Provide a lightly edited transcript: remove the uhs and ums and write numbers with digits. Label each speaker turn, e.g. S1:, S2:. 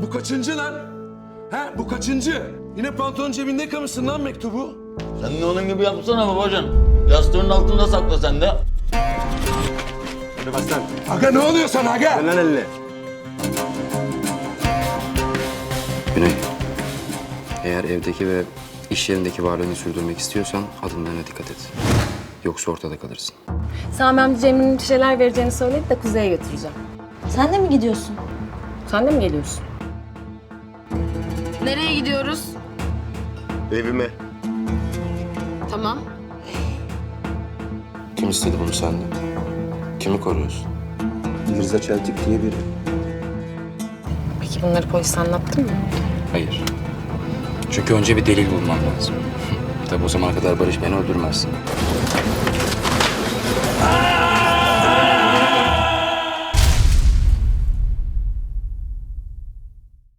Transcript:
S1: Bu kaçıncı lan? Ha, bu kaçıncı? Yine pantolon cebinde yıkamışsın lan mektubu.
S2: Sen de onun gibi yapsana babacan. Yastığın altında sakla sen de.
S3: Hadi bas lan.
S1: Aga ne oluyor sana aga?
S3: Ver lan elini.
S4: Güney, eğer evdeki ve iş yerindeki varlığını sürdürmek istiyorsan adımlarına dikkat et. Yoksa ortada kalırsın.
S5: Sami amca Cemre'nin bir şeyler vereceğini söyledi de Kuzey'e götüreceğim.
S6: Sen de mi gidiyorsun?
S5: Sen de mi geliyorsun?
S7: Nereye gidiyoruz?
S3: Evime.
S7: Tamam.
S4: Kim istedi bunu senden? Kimi koruyorsun?
S3: Mirza Çeltik diye biri.
S5: Peki bunları polise anlattın mı?
S4: Hayır. Çünkü önce bir delil bulmam lazım. Tabii o zamana kadar Barış beni öldürmez.